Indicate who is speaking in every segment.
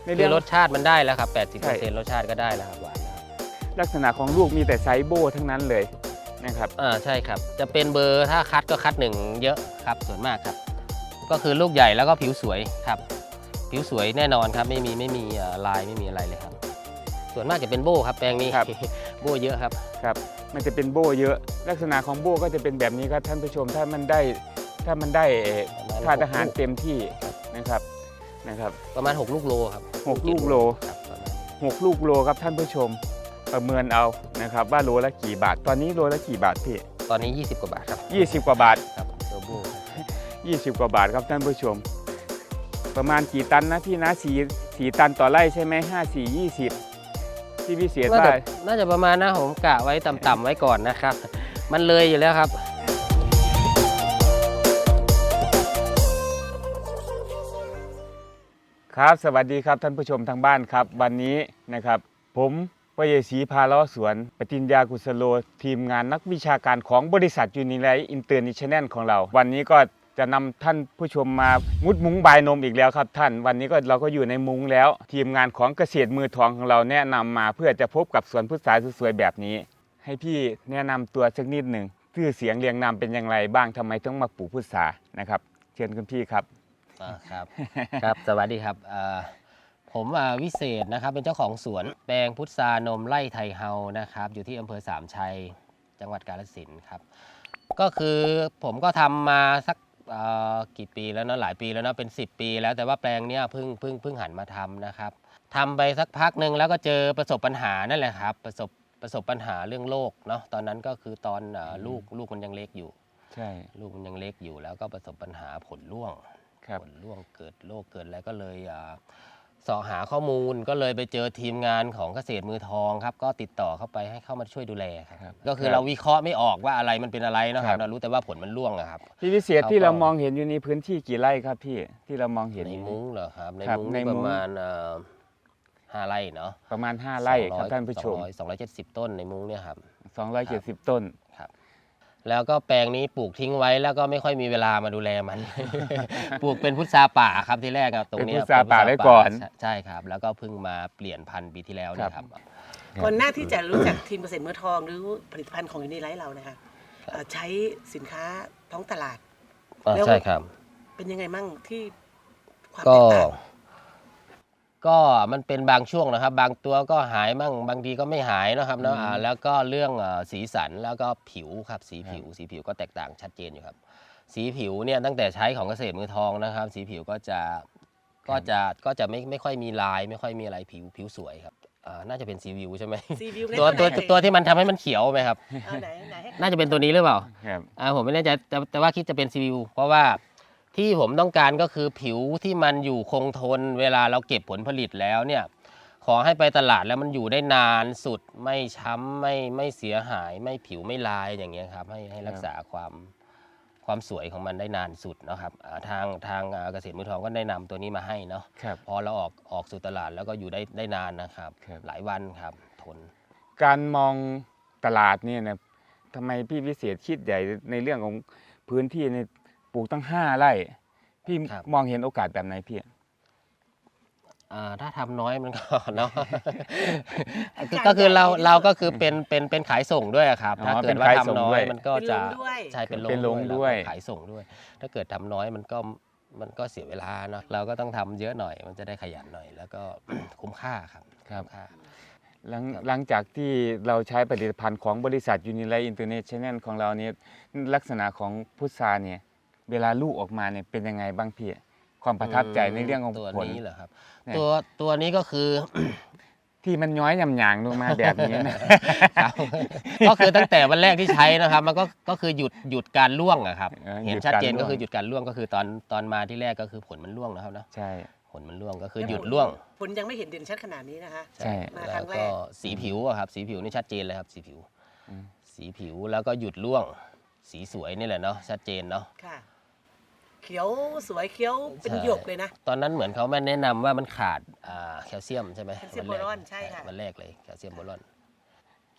Speaker 1: คือรสชาติมันได้แล้วครับ 80%รสชาติก็ได้แล้วครับหวานแล้ว
Speaker 2: ลักษณะของลูกมีแต่ไซส์โบ้ทั้งนั้นเลยนะครับ
Speaker 1: ใช่ครับจะเป็นเบอร์ถ้าคัดก็คัด1เยอะครับส่วนมากครับก็คือลูกใหญ่แล้วก็ผิวสวยครับผิวสวยแน่นอนครับไม่มีลายไม่มีอะไรเลยครับส่วนมากจะเป็นโบ้ครับแปลงนี้ โบ้เยอะครับ
Speaker 2: มันจะเป็นโบ้เยอะลักษณะของโบ้ก็จะเป็นแบบนี้ครับท่านผู้ชมถ้ามันได้ธาตุอาหารเต็มที่นะครับ
Speaker 1: ประมาณ6 ลูกโลครับ
Speaker 2: 6 ลูกโล
Speaker 1: ครับ
Speaker 2: 6 ลูกโลครับท่านผู้ชมประเมินเอานะครับว่าโลละกี่บาทตอนนี้โลละกี่บาทพี่
Speaker 1: ตอนนี้20 กว่าบาทครับ
Speaker 2: 20 กว่าบาท
Speaker 1: ครับตัวโบ้
Speaker 2: 20 กว่าบาทครับท่านผู้ชมประมาณกี่ตันนะพี่นะ4 ตันต่อไร่ใช่ไหม5 4 20ที่พี่เสียได้
Speaker 1: น่าจะประมาณนะผมกะไว้ต่ำๆไว้ก่อนนะครับมันเลยอยู่แล้วครับ
Speaker 2: ครับสวัสดีครับท่านผู้ชมทางบ้านครับวันนี้นะครับผมวเยศรีพาล้อสวนปฏิญญากุศโลทีมงานนักวิชาการของบริษัทยูนิไลท์อินเตอร์เนชั่นแนลของเราวันนี้ก็จะนำท่านผู้ชมมามุดมุ้งบายนมอีกแล้วครับท่านวันนี้เราก็อยู่ในมุ้งแล้วทีมงานของเกษตรมือทองของเราแนะนำมาเพื่อจะพบกับสวนพุทราสวยๆแบบนี้ให้พี่แนะนำตัวสักนิดหนึ่งชื่อเสียงเรียงนามเป็นอย่างไรบ้างทำไมต้องมาปลูกพุทรานะครับเชิญคุณพี่ครับ
Speaker 1: ครับสวัสดีครับผมวิเศษนะครับเป็นเจ้าของสวนแปลงพุทรานมไร่ไทยเฮานะครับอยู่ที่อำเภอสามชัยจังหวัดกาฬสินธุ์ครับก็คือผมก็ทำมาสักกี่ปีแล้วเนาะหลายปีแล้วเนาะเป็น10 ปีแล้วแต่ว่าแปลงเนี้ยเพิ่งหันมาทำนะครับทำไปสักพักหนึ่งแล้วก็เจอประสบปัญหานั่นแหละครับประสบปัญหาเรื่องโรคเนาะตอนนั้นก็คือตอนลูกมันยังเล็กอยู่
Speaker 2: ใช่
Speaker 1: ลูกมันยังเล็กอยู่แล้วก็ประสบปัญหาผลร่วงเกิดโรคเกิดอะไรก็เลยเสาะหาข้อมูลก็เลยไปเจอทีมงานของเกษตรมือทองครับก็ติดต่อเข้าไปให้เข้ามาช่วยดูแลครับก็คือเราวิเคราะห์ไม่ออกว่าอะไรมันเป็นอะไรนะครับเรารู้แต่ว่าผลมันร่วงครับ
Speaker 2: พี่วิเศษที่เรามองเห็นอยู่ในพื้นที่กี่ไร่ครับพี่ที่เรามองเห็น
Speaker 1: ในมุ้งเหรอครับในมุ้งประมาณ5 ไร่เนาะ
Speaker 2: ประมาณ5 ไร่ครับท่านผู้ชม
Speaker 1: 270 ต้นในมุ้งเนี่ยครับ
Speaker 2: 270 ต้น
Speaker 1: ครับแล้วก็แปลงนี้ปลูกทิ้งไว้แล้วก็ไม่ค่อยมีเวลามาดูแลมัน ปลูกเป็นพุทราป่าครับที่แรกตรงนี้
Speaker 2: พุทราป่าไว้ก่อน
Speaker 1: ใช่ครับแล้วก็เพิ่งมาเปลี่ยนพันธุ์ปีที่แล้วนี่ครับ
Speaker 3: ก่อนหน้าที่จะรู้จักทีมเกษตรมือทองหรือผลิตภัณฑ์ของยูนิไลท์เรานะคะใช้สินค้าท้องตลาด
Speaker 1: ใช่ครับ
Speaker 3: เป็นยังไงมั่งที่ความ
Speaker 1: แต
Speaker 3: กต่าง
Speaker 1: ก็มันเป็นบางช่วงนะครับบางตัวก็หายมั่งบางทีก็ไม่หายนะครับเนาะแล้วก็เรื่องสีสันแล้วก็ผิวครับสีผิวก็แตกต่างชัดเจนอยู่ครับสีผิวเนี่ยตั้งแต่ใช้ของเกษตรมือทองนะครับสีผิวก็จะไม่ค่อยมีลายไม่ค่อยมีอะไรผิวสวยครับน่าจะเป็นซีวิวใช่ไหมตัวที่มันทำให้มันเขียวไหมครับน่าจะเป็นตัวนี้หรือเปล่าผมไม่แน่ใจแต่ว่าคิดจะเป็นซีวิวเพราะว่าที่ผมต้องการก็คือผิวที่มันอยู่คงทนเวลาเราเก็บผลผลิตแล้วเนี่ยขอให้ไปตลาดแล้วมันอยู่ได้นานสุดไม่ช้ำไม่เสียหายไม่ผิวไม่ลายอย่างเงี้ยครับให้รักษาความสวยของมันได้นานสุดนะครับทางเกษตรมือทองก็ได้นำตัวนี้มาให้เนาะพอเราออกสู่ตลาดแล้วก็อยู่ได้นานนะครับหลายวันครับทน
Speaker 2: การมองตลาดเนี่ยนะทำไมพี่วิเศษคิดใหญ่ในเรื่องของพื้นที่ในปลูกตั้ง5 ไร่พี่มองเห็นโอกาสแบบไหนพี่
Speaker 1: ถ้าทำน้อยมันก็เนาะก็คือเราก็คือเป็นขายส่งด้วยครับถ้าเกิดว่าทำน้อยมันก็จะใช่เป็นลงด้วยขายส่งด้วยถ้าเกิดทำน้อยมันก็เสียเวลาเนาะเราก็ต้องทำเยอะหน่อยมันจะได้ขยันหน่อยแล้วก็คุ้มค่าครับ
Speaker 2: หลังจากที่เราใช้ผลิตภัณฑ์ของบริษัทยูนิไลท์อินเตอร์เนชั่นแนลของเราเนี่ยลักษณะของพุทราเนี่ยเวลาลูกออกมาเนี่ยเป็นยังไงบ้างพี่ความประทับใจในเรื่องของ
Speaker 1: ตัว
Speaker 2: ผล
Speaker 1: นี้เหรอครับตัวนี้ก็คือ
Speaker 2: ที่มันย้อยหยางลงมาแบบนี้นะ
Speaker 1: ก็คือตั้งแต่วันแรกที่ใช้นะครับมันก็คือหยุดการร่วงอะครับเห็นชัดเจนก็คือหยุดการร่วงก็คือตอนมาที่แรกก็คือผลมันร่วงนะครับเนาะ
Speaker 2: ใช่
Speaker 1: ผลมันร่วงก็คือหยุดร่วง
Speaker 3: ผลยังไม่เห็นเด่นชัดขนาดนี้นะคะ
Speaker 1: ใช่แล้วก็สีผิวอะครับสีผิวนี่ชัดเจนเลยครับสีผิวแล้วก็หยุดร่วงสีสวยนี่แหละเนาะชัดเจนเนาะ
Speaker 3: ค่ะเขียวสวยเขียวเป็นหยกเลยนะ
Speaker 1: ตอนนั้นเหมือนเขาแม่แนะนำว่ามันขาดแคลเซียมใช่ไหม
Speaker 3: แคลเซียมโบรอนใช่ค่ะ
Speaker 1: วันแรกเลยแคลเซียมโบรอน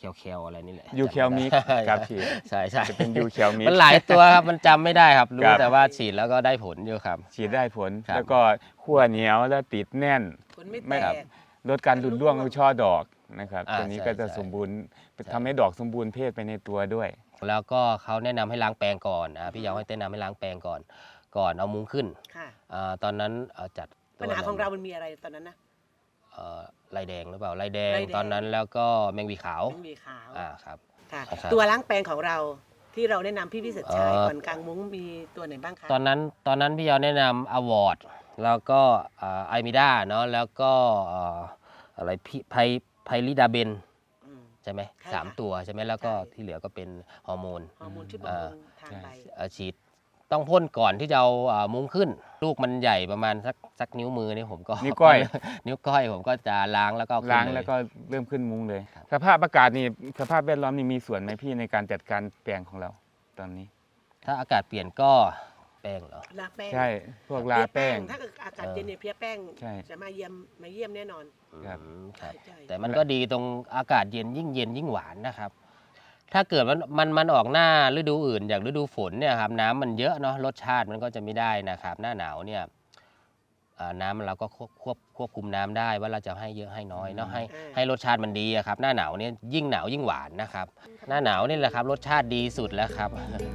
Speaker 1: แคลอะไรนี่แหละ
Speaker 2: ยูแคลมิกครับพี่
Speaker 1: ใช่ใช่
Speaker 2: จะเป็นยูแคลมิก
Speaker 1: มันหลายตัวครับมันจำไม่ได้ครับรู้
Speaker 2: ครับ
Speaker 1: แต่ว่าฉีดแล้วก็ได้ผลอยู่ครับ
Speaker 2: ฉีดได้ผล
Speaker 1: ครับ
Speaker 2: แล้วก็ขั้วเหนียวแล้วติดแน่น
Speaker 3: ผลไม่
Speaker 2: ไม่
Speaker 3: แต
Speaker 2: ครับ
Speaker 3: ก
Speaker 2: ลดการหลุดร่วงของช่อดอกนะครับ
Speaker 1: อ่า
Speaker 2: ตัวนี้
Speaker 1: ใช่
Speaker 2: ก็จะ
Speaker 1: ใช่
Speaker 2: สมบูรณ์
Speaker 1: ใช่
Speaker 2: ทำให้ดอกสมบูรณ์เพศไปในตัวด้วย
Speaker 1: แล้วก็เขาแนะนำให้ล้างแปรงก่อนพี่ยาวให้แนะนำให้ล้างแปรงก่อนเอามุ้งขึ้น
Speaker 3: ค่ะ
Speaker 1: ตอนนั้นจัดตั
Speaker 3: ปัญ
Speaker 1: ว
Speaker 3: หาของเรามันมีอะไรตอนนั้นนะ
Speaker 1: ลายแดงหรือเปล่าลายแดง
Speaker 3: ลายแดง
Speaker 1: ตอนนั้นแล้วก็แมงวีขาว
Speaker 3: มันมีขาว
Speaker 1: ครับ
Speaker 3: ค่ะ
Speaker 1: ครับ
Speaker 3: ตัวล้างแปรงของเราที่เราแนะนำพี่พิเศษชัย
Speaker 1: เอ่อ
Speaker 3: ก่อนกลางมุ้งมีตัวไหนบ้างคะ
Speaker 1: ตอนนั้นพี่ยาวแนะนำอวอร์ดแล้วก็ไอมิด้าเนาะแล้วก็อะไรไพลิดาเบน
Speaker 3: อืม
Speaker 1: ใช่ไหม
Speaker 3: ใช่
Speaker 1: สาม
Speaker 3: ค่ะ
Speaker 1: ตัวใช่ไหมแล้วก็
Speaker 3: ใช่
Speaker 1: ที่เหลือก็เป็นฮอร์โมน
Speaker 3: ฮอร์โมนชุดบำรุงทางใบ
Speaker 1: ฉีดต้องพ่นก่อนที่จะเอามุ้งขึ้น ลูกมันใหญ่ประมาณสักนิ้วมือนี่ผมก็
Speaker 2: นิ้วก้อย
Speaker 1: นิ้วก้อยผมก็จะล้างแล้วก็เอขึ้น
Speaker 2: ล้าง
Speaker 1: เย
Speaker 2: แล้วก็เริ่มขึ้นมุ้งเลย
Speaker 1: ครับ
Speaker 2: สภาพอากาศนี่สภาพแวดล้อมนี่มีส่วนไหมพี่ในการจัดการแปลงของเราตอนนี้
Speaker 1: ถ้าอากาศเปลี่ยนก็แป้งเหรอ
Speaker 3: ลาแป้ง
Speaker 2: ใช่พวกลาแป้ง
Speaker 3: ถ้าเกิดอากาศเย็นเนี่ยเพลี้ยแป้ง
Speaker 2: ใช่
Speaker 3: จะมาเยี่ยมแน่นอน
Speaker 2: ครับ
Speaker 1: ครับ
Speaker 3: ใช่
Speaker 1: แต่มันก็ดีตรงอากาศเย็นยิ่งหวานนะครับ ถ้าเกิดมันออกหน้าฤดูอื่นอย่างฤดูฝนเนี่ยครับน้ำมันเยอะเนาะรสชาติมันก็จะไม่ได้นะครับ หน้าหนาวเนี่ยน้ำเราก็ควบคุมน้ำได้ว่าเราจะให้เยอะให้น้อยเนาะให้รสชาติมันดีอะครับ หน้าหนาวเนี่ยยิ่งหนาวยิ่งหวานนะครับ หน้าหนาวนี่แหละครับรสชาติดีสุดแล้วครับ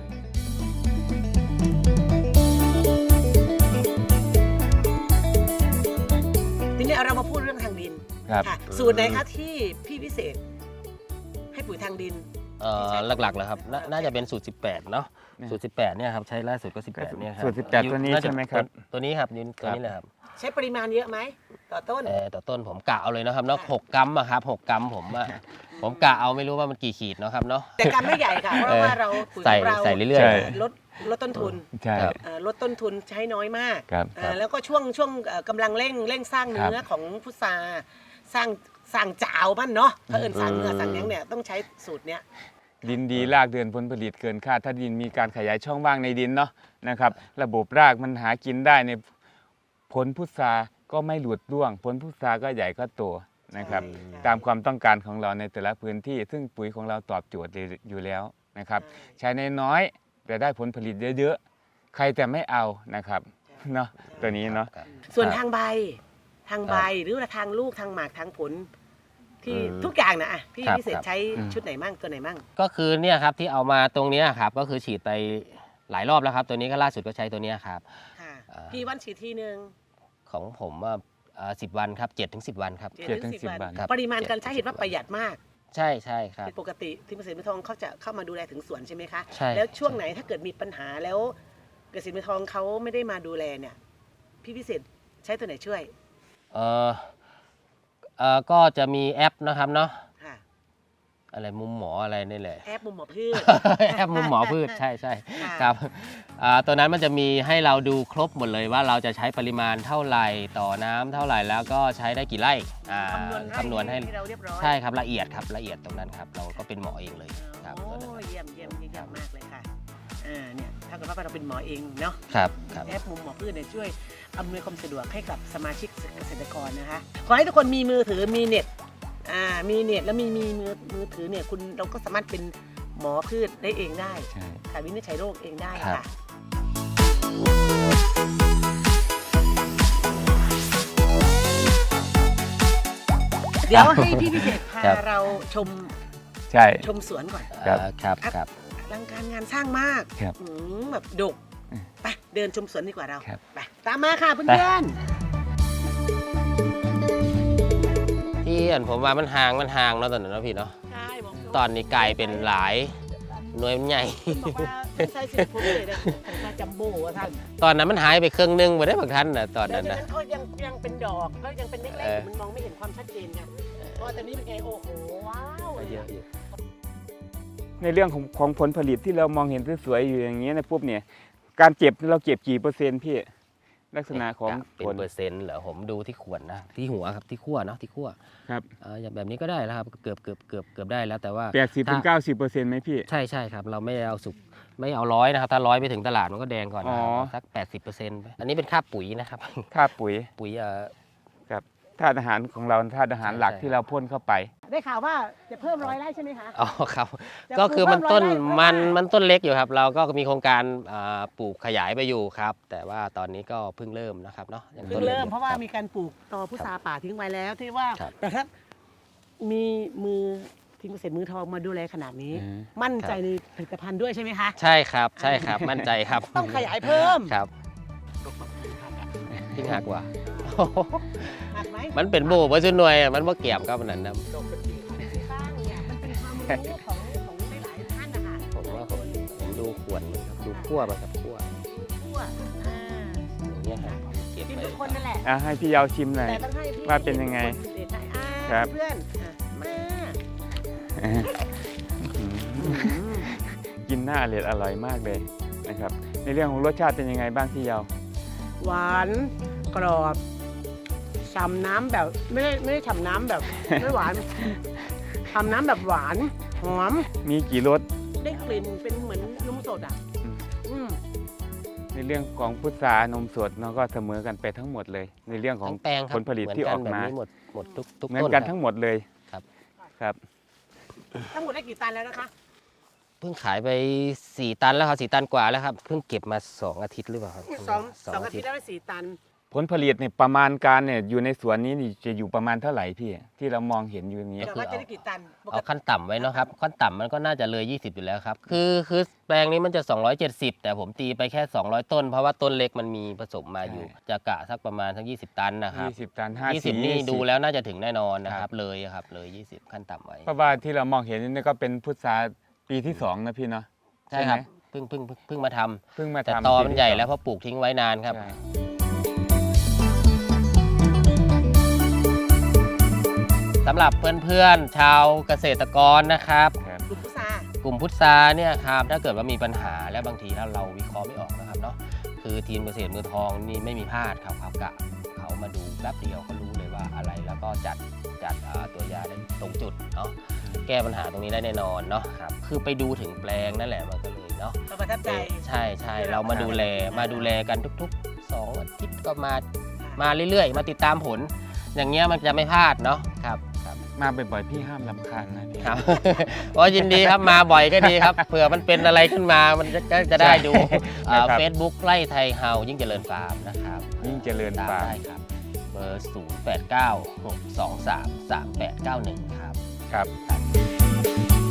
Speaker 3: ทีนี้เรามาพูดเรื่องทางดิน
Speaker 2: ครับ
Speaker 3: ค่ะสูตรไหนคะที่พี่พิเศษ ให้ปุ๋ยทางดิน
Speaker 1: หลักๆเลยครับน่าจะเป็นสูตร 18 เนาะสูตร 18 เนี่ยครับใช้ล่าสุดก็ 18 เนี่ยครับ
Speaker 2: สูตร18ตัวนี้
Speaker 1: าจะ
Speaker 2: ใช่ไหมครับ
Speaker 1: ตัวนี้ครับตัวนี้เลยครับ
Speaker 3: ใช้ปริมาณเยอะไหมต่อต้น
Speaker 1: ต่อต้นผมกะเอาเลยนะครับเนาะ
Speaker 3: ค่ะ
Speaker 1: 6 กรัมอะครับ6 กรัมผมกะเอาไม่รู้ว่ามันกี่ขีดเนาะครับเนาะ
Speaker 3: แต่กำไม่ใหญ่ค่ะ เพราะว่าเราปุ๋ยของเรา
Speaker 1: ใส่เรื่อย
Speaker 2: ใช่
Speaker 3: ลดต้นทุน
Speaker 2: ใช่
Speaker 1: ครับ
Speaker 3: ลดต้นทุนใช้น้อยมาก
Speaker 2: ครับ
Speaker 3: แล้วก็ช่วงกำลังเร่งสร้างเนื้อของพุทราสร้างจาวมันเนาะถ้าเอิญสร้างเนื้อสร้างหยังเนี่ยต้องใช้สูตรเนี้ย
Speaker 2: ดินดีรากเดินผลผลิตเกินคาดถ้าดินมีการขยายช่องว่างในดินเนาะนะครับ ระบบรากมันหากินได้ในผลพุทราก็ไม่หลุดร่วง ผลพุทราก็ใหญ่ก็โตนะครับ
Speaker 3: ใช่ค่ะ
Speaker 2: ตามความต้องการของเราในแต่ละพื้นที่ ซึ่งปุ๋ยของเราตอบโจทย์อยู่แล้วนะครับ ใช้ในน้อยแต่ได้ผลผลิตเยอะๆใครแต่ไม่เอานะครับเนาะตัวนี้เนาะ
Speaker 1: ครับ
Speaker 3: ส่วน
Speaker 1: ครับ
Speaker 3: ทางใบหรือว่าทางลูกทางหมากทางผล ที่ทุกอย่างนะอ่ะพี่
Speaker 1: ครับ
Speaker 3: พิเศษ
Speaker 1: ครับ
Speaker 3: ใช้ชุดไหนมั่งตัวไหนมั่ง
Speaker 1: ก็คือเนี่ยครับที่เอามาตรงเนี้ยครับก็คือฉีดไปหลายรอบแล้วครับ ตัวนี้ก็ล่าสุดก็ใช้ตัวเนี้ยครับ
Speaker 3: ค่ะ
Speaker 1: อ่า
Speaker 3: พี่วันฉีดทีนึง
Speaker 1: ของผมว่า10 วันครับ7 ถึง 10 วันครับ
Speaker 2: 7 ถึง 10 วัน
Speaker 1: ครับ
Speaker 3: ปริมาณการใช้เห็นว่าประหยัดมาก
Speaker 1: ใช่ครับ
Speaker 3: เป็นปกติที่เกษตรมือทองเขาจะเข้ามาดูแลถึงสวนใช่ไหมคะ
Speaker 1: ใช่
Speaker 3: แล้วช่วงไหนถ้าเกิดมีปัญหาแล้วเกษตรมือทองเขาไม่ได้มาดูแลเนี่ย พี่พิเศษใช้ตัวไหนช่วย
Speaker 1: ก็จะมีแอปนะครับเนาะ
Speaker 3: ค่ะ
Speaker 1: อะไรมุมหมออะไรนี่แหละ
Speaker 3: แอปมุมหมอพืช
Speaker 1: แอปมุมหมอพืชใช่
Speaker 3: ค่ะ
Speaker 1: ครับตัวนั้นมันจะมีให้เราดูครบหมดเลยว่าเราจะใช้ปริมาณเท่าไหร่ต่อน้ำเท่าไหร่แล้วก็ใช้ได้กี่ไร่คำนวณให้
Speaker 3: เราเรียบร้อย
Speaker 1: ใช่ครับละเอียดครับละเอียดตรงนั้นครับเราก็เป็นหมอเองเลยครับ
Speaker 3: โอ้
Speaker 1: ตัวนั้น
Speaker 3: เยี่ยมมากเลยค่ะเนี่ยถ้าเกิดว่าเราเป็นหมอเองเนาะ
Speaker 1: ครับ
Speaker 3: แอปมุมหมอพืชเนี่ยช่วยอำนวยความสะดวกให้กับสมาชิกเกษตรกรนะคะขอให้ทุกคนมีมือถือมีเน็ตมีเน็ตแล้วมีมือถือเนี่ยคุณเราก็สามารถเป็นหมอพืชได้เองได้
Speaker 2: ใช่
Speaker 3: ค่ะวินิจฉัยโรคเองได้
Speaker 1: ครับ
Speaker 3: ค่ะเดี๋ยวให้พี่พิเศษพาเราชม
Speaker 2: ใช่
Speaker 3: สวนก่อน
Speaker 2: ครับ
Speaker 1: ครับ
Speaker 3: อลังการงานสร้างมาก
Speaker 2: ครับ
Speaker 3: แบบดกไปเดินชมสวนดีกว่าเรา
Speaker 2: ครับ
Speaker 3: ไปตามมาค่ะเพื่อน
Speaker 1: ที่อันผมว่ามันห่างเนาะตอนนั้นเนาะพี่เนาะ
Speaker 3: ๆใช่บอก
Speaker 1: ตอนนี้กลายเป็นหลายหน่วยมันใหญ่
Speaker 3: บอกว่าไม่ใช่สิผมเลยนะผมว่าจัมโบ้ว่าท่าน
Speaker 1: ตอนนั้นมันหายไปครึ่งหนึงไปได้บางท่านนะตอน
Speaker 3: แล้ว
Speaker 1: นั้น
Speaker 3: จาก
Speaker 1: นะ
Speaker 3: นั้นเขายังเป็นดอกก็ยังเป็นเล็ก
Speaker 1: เออ
Speaker 3: ๆมันมองไม่เห็นความชัดเจนไงเพราะว่าตอนนี้เป็นไงโอ้โหว้าวเลย
Speaker 1: เย
Speaker 3: อะ
Speaker 1: อะอยู่
Speaker 2: ในเรื่องของผลผลิตที่เรามองเห็นสวยๆอยู่อย่างเงี้ยนะปุ๊บเนี่ยการเก็บเราเก็บกี่เปอร์เซ็นต์พี่ลักษณะของ
Speaker 1: เป็น
Speaker 2: ผล
Speaker 1: เปอร์เซ็นต์เหรอผมดูที่ขวดนะที่หัวครับที่ขั้วเนาะที่ขั้ว
Speaker 2: ครับ
Speaker 1: อย่างแบบนี้ก็ได้แล้วครับเกือบได้แล้วแต่ว่า
Speaker 2: 80-90%ไหมพี่
Speaker 1: ใช่ครับเราไม่ได้เอาสุกไม่เอา100นะครับถ้า100ไปถึงตลาดมันก็แดงก่อนนะครับ
Speaker 2: อ๋อ
Speaker 1: เอาสัก 80%ไปอันนี้เป็นค่าปุ๋ยนะครับ
Speaker 2: ค่าปุ๋ย
Speaker 1: ปุ๋ย
Speaker 2: ครับธาตุอาหารของเราธาตุอาหารหลัก
Speaker 1: ใช่
Speaker 2: ที่เราพ่นเข้าไป
Speaker 3: ได้ข่าวว่าจะเพิ่ม100 ไร่ใช่ไหมคะ
Speaker 1: อ๋อครับ
Speaker 3: จะ
Speaker 1: ก็คือมัน
Speaker 3: ปลูก
Speaker 1: ต้น
Speaker 3: เพิ่ม100 ไร่
Speaker 1: มันต้นเล็กอยู่ครับ เราก็มีโครงการปลูกขยายไปอยู่ครับ แต่ว่าตอนนี้ก็เพิ่งเริ่มนะครับเนาะยัง
Speaker 3: เพิ่
Speaker 1: ต้
Speaker 3: ง
Speaker 1: นล็ก
Speaker 3: เริ่ม
Speaker 1: อยู่
Speaker 3: เพราะว่า
Speaker 1: คบ
Speaker 3: มีการปลูกตอพุทราป่าทิ้งไว้แล้วที่ว่า
Speaker 1: ครับ
Speaker 3: แต่ถ้ามีมือทีมเกษตรมือทองมาดูแลขนาดนี้
Speaker 2: อืม
Speaker 3: มั่นใจในผลิตภัณฑ์ด้วยใช่ไหมคะ
Speaker 1: ใช่ครับใช่ครับมั่นใจครับ
Speaker 3: ต้องขยายเพิ่ม
Speaker 1: ครับทิ้งหักว่ะ
Speaker 3: หักไหม
Speaker 1: มันเป็นโบว์ว่าจุนหน่วยอะมันว่าเกี่ยมครับมันนั้นนะ
Speaker 3: ข้างเนี่ยมันเป็นความรู้ของหลายๆท่านนะคะ
Speaker 1: ผมว่าผมดูขวดมันครับดูขั้วมันครับขั้ว
Speaker 3: ทั่ว
Speaker 1: อย่างเงี้ยครับเก็บ
Speaker 3: กิน
Speaker 1: ไป
Speaker 3: ทุกคนนั่นแหละ
Speaker 2: ให้พี่ยาวชิมหน่อย
Speaker 3: แต่ต้องให้พี่
Speaker 2: ว่าเป็นยังไง
Speaker 3: คนเด็ดให้อ่า
Speaker 2: ครับ
Speaker 3: เพื่อนอ่ะมา
Speaker 2: กินหน้าอร่อยมากเลยนะครับ ในเรื่องของรสชาติเป็นยังไงบ้างพี่ยาว
Speaker 3: หวานกรอบฉ่ำน้ำแบบไม่ได้ฉ่ำน้ำแบบ ไม่หวานฉ่ำน้ำแบบหวานหอม
Speaker 2: มีกี่รส
Speaker 3: ได้กลิ่นเป็นเหมือนนมสดอ่ะ
Speaker 2: อืม
Speaker 3: อืม
Speaker 2: ในเรื่องของพุทรานมสดเราก็เสมอกันไปทั้งหมดเลย ในเรื่องของ
Speaker 1: ทั้งแปลงครับ
Speaker 2: ผลผลิตที่ออกมา
Speaker 1: เหนนแบบนี้หมดทุก
Speaker 2: เหมือน
Speaker 1: ต้น
Speaker 2: กัน
Speaker 1: ครับ
Speaker 2: ทั้งหมดเลย
Speaker 1: ครับ
Speaker 2: ครับ
Speaker 3: ทั้งหมดได้กี่ตันแล้วนะคะ
Speaker 1: เพิ่งขายไป4 ตันแล้วครับ4 ตันกว่าแล้วครับเพิ่งเก็บมา2 อาทิตย์หรือเปล่าครับ
Speaker 3: สองอาทิตย์ได้ไป4 ตัน
Speaker 2: ผลผลิตเนี่ยประมาณการเนี่ยอยู่ในสวนนี้นี่จะอยู่ประมาณเท่าไหร่พี่ที่เรามองเห็นอยู่อย่างนี้
Speaker 3: แต่ว่าจะได้กี่ตันปก
Speaker 1: เอา
Speaker 3: ติ
Speaker 1: ขั้นต่ำไว้เนาะครับขั้นต่ำมันก็น่าจะเลย20อยู่แล้วครับคือแปลงนี้มันจะ270แต่ผมตีไปแค่200 ต้น เพราะว่าต้นเล็กมันมีผสมมาอยู่ จะกะสักประมาณสัก20 ตันนะครับ
Speaker 2: 20 ตัน
Speaker 1: 20นี่ดูแล้วน่าจะถึงแน่นอนนะครับเลยครับเลย20ขั้นต่ำไว้
Speaker 2: เพราะว่าที่เรามองเห็นนี่ก็เป็นพุทราปีที่2นะพี่เนาะ
Speaker 1: ใช่ครับ
Speaker 2: ไหม
Speaker 1: เพิ่งมาทำ
Speaker 2: เพิ่งมา
Speaker 1: แต่
Speaker 2: ทำ
Speaker 1: ตอ
Speaker 2: ปี
Speaker 1: มัน
Speaker 2: ที่
Speaker 1: ใหญ่
Speaker 2: สอง
Speaker 1: แล้วเพราะปลูกทิ้งไว้นานครับ
Speaker 2: ใช่
Speaker 1: สำหรับเพื่อนๆชาวเกษตรกรนะครับ
Speaker 2: ครับ
Speaker 3: กลุ่มพุทราก
Speaker 1: ลุ่มพุทราเนี่ยครับถ้าเกิดว่ามีปัญหาและบางทีถ้าเราวิเคราะห์ไม่ออกนะครับเนาะคือทีมเกษตรมือทองนี่ไม่มีพลาดครับเขากะเขามาดูแป๊บเดียวเขารู้เลยว่าอะไรแล้วก็จัดตัวยาได้ตรงจุดเนาะแก้ปัญหาตรงนี้ได้แน่นอนเนาะครับคือไปดูถึงแปลงนั่นแหละมันก็เลยเนาะ
Speaker 3: เราประทับใจ
Speaker 1: ใช่เรามาดูแลกันทุกๆ2 อาทิตย์ก็มาเรื่อยๆ มาติดตามผล อย่างเงี้ยมันจะไม่พลาดเนาะครับ
Speaker 2: มาบ่อยๆพี่ห้ามรำคาญนะพี่
Speaker 1: ครับ ก็ยินดีครับมาบ่อยก็ดีครับเผื่อมันเป็นอะไรขึ้นมามันจะได้ดู
Speaker 2: ใช่ครับ
Speaker 1: เฟซบุ๊กไล่ไทยเฮายิ่งเจริญฟาร์มนะครับ
Speaker 2: ยิ่งเจริญ
Speaker 1: ตาม
Speaker 2: ฟาร์ม
Speaker 1: ได้ครับเบอร์ 0896233891 ครับ
Speaker 2: ครับ